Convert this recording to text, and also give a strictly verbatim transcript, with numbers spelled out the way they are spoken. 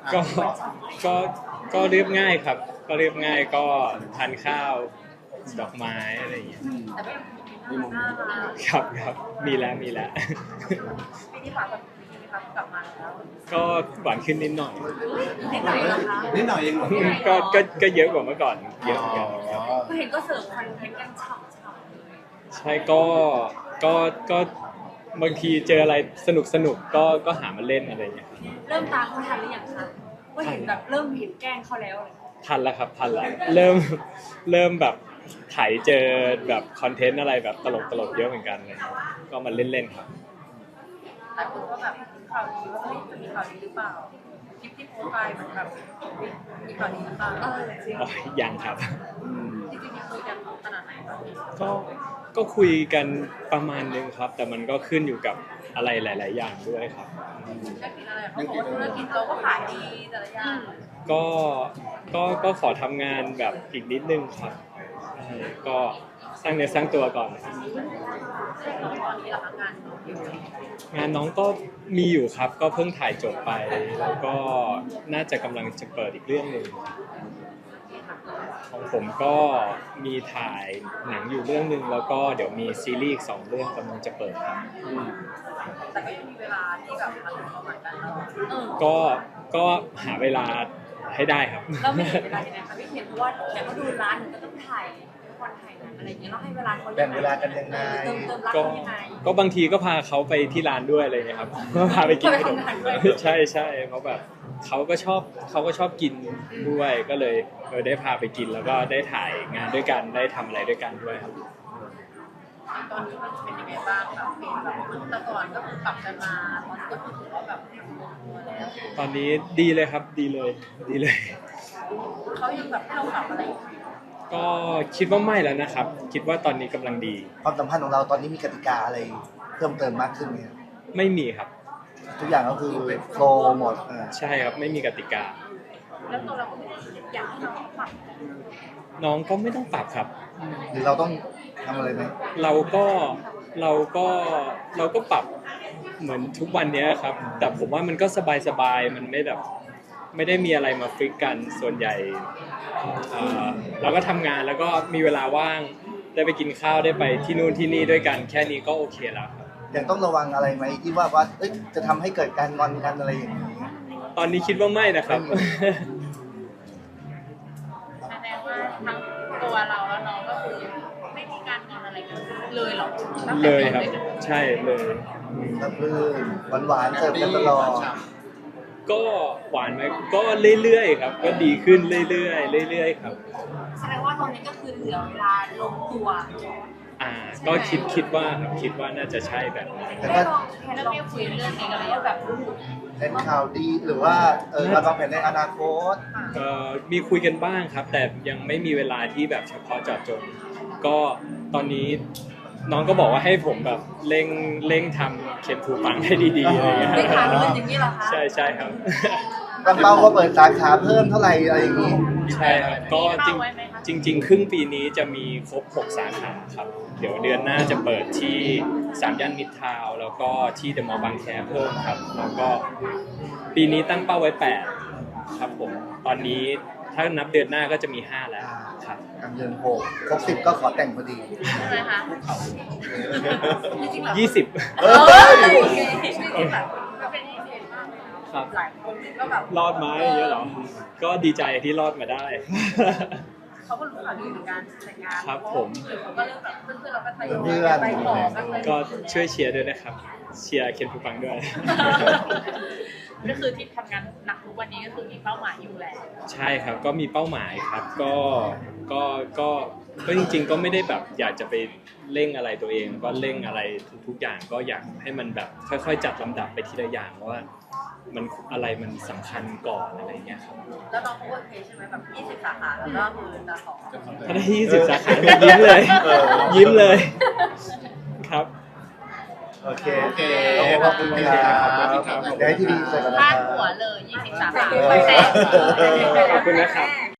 ก็ก็ก็เรียบง่ายครับก็เรียบง่ายก็ทานข้าวดอกไม้อะไรอย่างเงี้ยแต่ก็ยังมีน่ารักครับครับมีแล้วมีแล้วปีนี้ฝากกับปีนี้ครับกลับมาแล้วก็หวานขึ้นนิดหน่อยนิดหน่อยเหรอคะนิดหน่อยเองเหรอก็ก็ก็เยอะกว่าเมื่อก่อนเยอะเหมือนกันครับก็เห็นก็เสิร์ฟคอนเทนต์กันฉ่ำๆเลยใช่ก็ก็ก็บางทีเจออะไรสนุกสนุกก็ก็หามาเล่นอะไรอย่างเงี้ยครับเริ่มตามเขาทันหรือยังคะว่าเห็นแบบเริ่มเห็นแกล้งเขาแล้วอะไรอย่างเงี้ยทันแล้วครับทันแล้วเริ่มเริ่มแบบไถเจอแบบคอนเทนต์อะไรแบบตลกตลกเยอะเหมือนกันเลยก็มาเล่นๆครับหลายคนก็แบบข่าวดีว่าเฮ้ยจะมีข่าวดีหรือเปล่าคลิปที่โพสต์ไปมันแบบมีข่าวดีหรือเปล่าเออจริงอ๋อยังครับจริงๆยังคุยกันขนาดไหนตอนนี้ก็ก็คุยกันประมาณนึงครับ แต่มันก็ขึ้นอยู่กับอะไรหลาย ๆ อย่างด้วยครับธุรกิจอะไรเขาบอกว่าธุรกิจเราก็ขายดีแต่ละอย่างก็ก็ก็ขอทำงานแบบอีกนิดนึงครับใช่ก็สร้างเนื้อสร้างตัวก่อนครับตอนนี้เราทำงานอยู่งานน้องก็มีอยู่ครับ ก็เพิ่งถ่ายจบไป แล้วก็น่าจะกำลังจะเปิดอีกเรื่องหนึ่งของผมก็มีถ่ายหนังอยู่เรื่องหนึ่งแล้วก็เดี๋ยวมีซีรีส์อีกสองเรื่องกำลังจะเปิดครับแต่ก็ยังมีเวลาที่แบบมาถึงประมาณกันเนาะเออก็ก็หาเวลาให้ได้ครับเราไม่เห็นเวลายังไงคะพี่เห็นเพราะว่าเดี๋ยวเขาดูร้านหนูก็ต้องถ่ายละครถ่ายหนังอะไรอย่างเงี้ยเราให้เวลาเขาแบ่งเวลากันยังไงเติมเติมรักก็เขายังไงก็บางทีก็พาเขาไปที่ร้านด้วยอะไรเงี้ยครับ ก็พาไปกินขนมพาไปทำงานด้วยใช่ใช่เพราะแบบเขาก็ชอบเขาก็ชอบกินด้วยก็เลยเออได้พาไปกินแล้วก็ได้ถ่ายงานด้วยกันได้ทำอะไรด้วยกันด้วยครับตอนนี้มันเป็นยังไงบ้างแบบเป็นแบบแต่ก่อนก็คือปรับกันมาตอนนี้ก็คือถือว่าแบบลงตัวแล้วตอนนี้ดีเลยครับดีเลยดีเลยเขายังแบบให้เราปรับอะไรอยู่ก็คิดว่าไม่แล้วนะครับ คิดว่าตอนนี้กำลังดีความสัมพันธ์ของเราตอนนี้มีกติกาอะไรเพิ่มเติมมากขึ้นไหมครับไม่มีครับทุกอย่างก็คือโฟลว์หมดอ่าใช่ครับไม่มีกติกาแล้วตัวเราก็ไม่ได้อยากให้น้องปรับน้องก็ไม่ต้องปรับครับหรือเราต้องทำอะไรไหมเราก็เราก็เราก็ปรับเหมือนทุกวันเนี้ยครับ แต่ผมว่ามันก็สบายๆมันไม่แบบไม่ได้มีอะไรมาฟิกกันส่วนใหญ่เอ่อเราก็ทำงานแล้วก็มีเวลาว่างได้ไปกินข้าวได้ไปที่นู่นที่นี่ด้วยกัน แค่นี้ก็โอเคแล้วครับยังต้องระวังอะไรไหมที่ว่าว่าเอ้ยจะทำให้เกิดการงอนกันอะไรอย่างนี้ตอนนี้คิดว่าไม่นะครับแสดงว่าทั้งตัวเราแล้วน้องก็คือไม่มีการงอนอะไรกันเลยหรอตั้งแต่เลยครับด็กๆใช่เลยอืมก็คือหวานๆเสิร์ฟกันตลอดก็หวานไหมก็เรื่อยๆครับ ก็ดีขึ้นเรื่อยๆเรื่อยๆครับแสดงว่าตอนนี้ก็คือเหลือเวลาลงตัวอ่าก็คิดคิดว่าครับคิดว่าน่าจะใช่แบบนั้นแต่ได้ก็ลองแพนแล้วไม่คุยเรื่องนี้กันเลยว่าแบบเป็นข่าวดีหรือว่าเออเราวางแผนในอนาคตเอ่อมีคุยกันบ้างครับ แต่ยังไม่มีเวลาที่แบบเฉพาะเจาะจงก็ตอนนี้น้องก็บอกว่าให้ผมแบบเร่งเร่งทำเขียนผูปังให้ดีๆอะไรอย่างเงี้ยไม่ถามเงินอย่างนี้เหรอคะใช่ใช่ครับตั้งเป้าว่าเปิดสาขาเพิ่มเท่าไหร่อะไรอย่างนี้ใช่ครับก็จริงจริง ๆ ครึ่งปีนี้จะมีครบหกสาขาครับ เดี๋ยวเดือนหน้าจะเปิดที่สามย่านมิตรทาวน์แล้วก็ที่เดอะมอลล์บางแคเพิ่มครับ แล้วก็ปีนี้ตั้งเป้าไว้แปดครับผมตอนนี้ถ้านับเดือนหน้าก็จะมีห้าแล้วครับกำเดือนหกครบสิบก็ขอแต่งพอดีใช่ไหมคะจริงๆแบบยี่สิบเออโอเคจริงๆแบบก็เป็นที่เด่นมากเลยนะครับ หลายคนก็แบบรอดไหมอย่างเงี้ยเหรอ ก็ดีใจที่รอดมาได้เขาก็รู้ข่าวดีเหมือนกันแต่งงานครับผมหรือเขาก็เริ่มแบบเพื่อนๆเราก็ทยเพื่อยอนไปขอกันเลยก็ช่วยเชียร์ด้วยนะครับ เชียร์เคนภูปังด้วยก็คือที่ทำงานหนักทุกวันนี้ก็คือมีเป้าหมายอยู่แหละใช่ครับ ก็มีเป้าหมายครับ ก็ ก็ ก็ ก็จริงๆ ก็ไม่ได้แบบอยากจะไปเร่งอะไรตัวเอง ก็เร่งอะไรทุกๆอย่างก็อยากให้มันแบบค่อยๆ จัดลำดับไปทีละอย่างว่ามันอะไรมันสำคัญก่อนอะไรเงี้ยครับแล้วน้องเขาโอเคใช่ไหมแบบยี่สิบสาขาแล้วก็คือจะขอถ้าได้ยี่สิบสาขายิ้มเลย ยิ้มเลย ครับโอเคโอเคขอบคุณครับขอบคุณครับเดี๋ยวให้ที่ดีเสร็จกันนะพาคดรับหัวเลยยี่สิบสาขาเออขอบคุณนะครับ